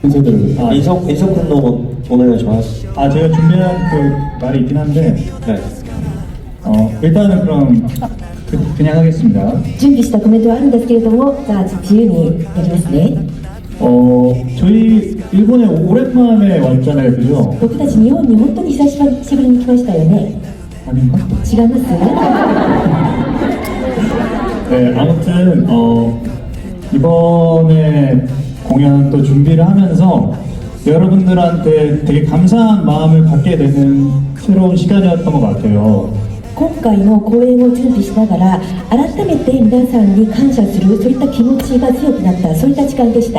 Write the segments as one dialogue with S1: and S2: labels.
S1: 팬분들
S2: 인석 군도 오늘 좋아요.
S1: 제가 준비한 그 말이 있긴 한데
S2: 네.
S1: 일단은 그럼 그냥 하겠습니다.
S3: 準備したコメントはあるんですけれども、じゃあ自由にやりますね。
S1: 저희 일본에 오랜만에 왔잖아요, 그죠?
S3: 僕たち日本に本当に久しぶりに来ましたよね。
S1: 아닌가?
S3: 違います？
S1: 네, 아무튼 이번에 공연 또 준비를 하면서 여러분들한테 되게 감사한 마음을 갖게 되는 새로운 시간이었던 것 같아요.
S3: 今回の公演を準備しながら改めて皆さんに感謝する、そういった気持ちが強くなった、そういった時間でした。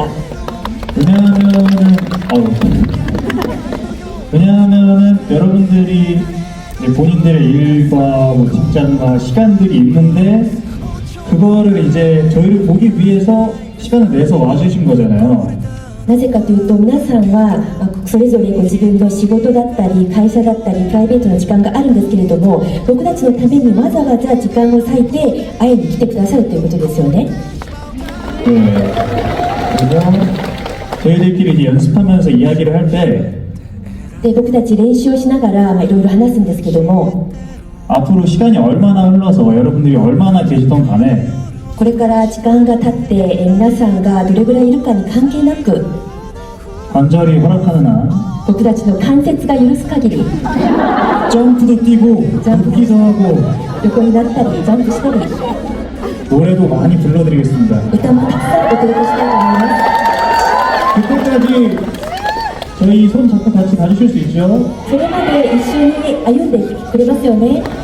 S1: 왜냐하면은 여러분들이 이제 본인들의 일과 뭐 직장과 시간들이 있는데 그거를 이제 저희를 보기 위해서 시간을 내서 와주신 거잖아요.
S3: なぜかというと、皆さんはそれぞれご自分の仕事だったり会社だったりプライベートの時間があるんですけれども、僕たちのためにわざわざ時間を割いて会いに来てくださるということですよね。
S1: 네. 그래서 저희들끼리 이제 연습하면서 이야기를 할 때
S3: で僕たち練習をしながらいろいろ話すんですけども、
S1: 앞으로 시간이 얼마나 흘러서 여러분들이 얼마나 계시던 간에
S3: これから時間が経って皆さんがどれぐらいいるかに関係なく、
S1: 관절이 허락하는 한
S3: 僕たちの関節が許す限り
S1: 점프도 뛰고 웃기도 하고
S3: 横になったりジャンプしたり
S1: 노래도 많이 불러드리겠습니다.
S3: 歌もたくさんお届けしたいと思います。
S1: 그때까지 저희 손 잡고 같이 가주실 수 있죠?
S3: それまで一緒に歩んでくれますよね。